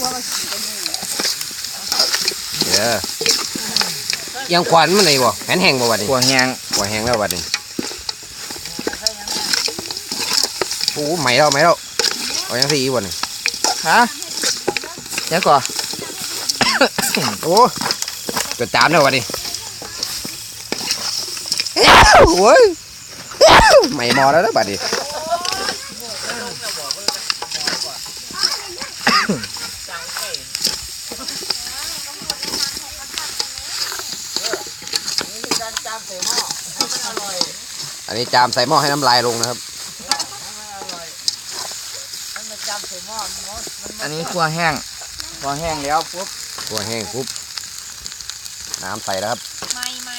เด้อยังขวัญมันไหนบ่แผ่นแห้งบ่บัดนี้ขัวแห้งขวัญแห้งแล้วบัดนี้โอ้ใหม่แล้วเอายังสิอีกบ่นี่ฮะยังก่อโอ้เกิดจามแล้วบัดนี้โอ้ยใหม่หมอแล้วนะบัดนี้อันนี้จามใส่หม้อให้น้ำลายลงนะครับอันนี้ขัวแห้งแล้วปุ๊บตัวแห้งปุ๊บน้ำใส่แล้วครับไม่ไม่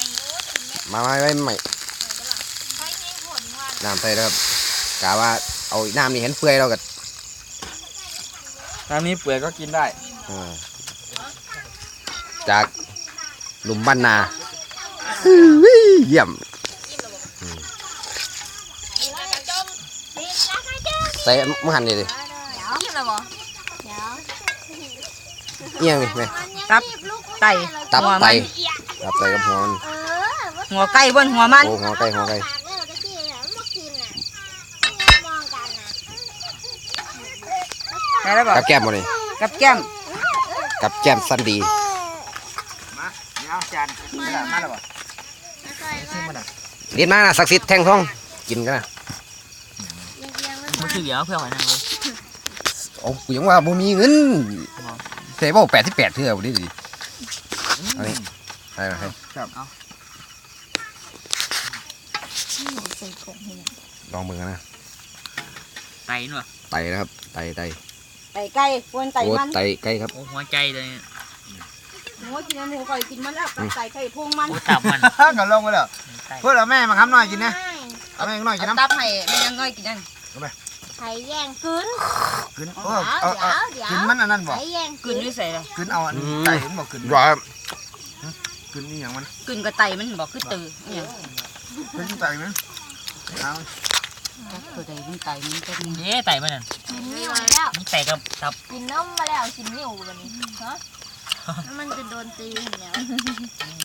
น้ำใส่แล้วครับกะว่าเอาน้ำนี่เห็นเปื่อยเราก็น้ำนี้เปื่อยก็กินได้จากหลุมบ้านนาเยี่ยมใส่มะหันนี่ดิกินแล้วบ่เอียงนี่ไหมตับไก่ตับหัวไตมันตับไตกับหัวมันหัวไก่บนหัวมันโอ้หัวไก่ได้แล้วบ่กับแก้มบ่นี่กับแก้มกับแก้มสันดีมาเอาจานมาแล้วบ่ชิมมันอ่ะเรียนมานะศักดิ์สิทธิ์แท่งทองกินกันนะมันคือเดี๋ยวเพื่อนหอยนางรมโอ้กูยังว่าบ่มีเงินเซ่บ่88เท่าดิดิอันนี้ให้มาให้ครับเอาลองมือกันนะไตหน่อยไตนะครับไตไก่ ควรไก่โอ้มันไตไก่ครับโอ้หัวใจเลยหมูกินหมูไก่กินมันแล้วไก่ไข่พงมันโอ้ตับมันก็ลงไปแล้วเพื่อนเอาแม่มาคำหน่อยกินนะเอาแม่หน่อยกินน้ำตับให้ไม่ยังน้อยกินยังไข่แย่งกึนกินกินมันอันนั้นบอกไข่แย่งกลืนด้วยใส่เลยกินเอาอันไก่เห็นบอกกินว่ากินนี่อย่างมันกลืนกับไตมันบอกคือตือเนี่ยกินไก่มั้ยเอาตัวไตมันไตมันจะมีเนี่ยไตมันน่ะกินนิ่วแล้วมันไตกับตับกินน้ำมาแล้วกินนิ่วแบบนี้ฮะมันจะโดนตีแล้ว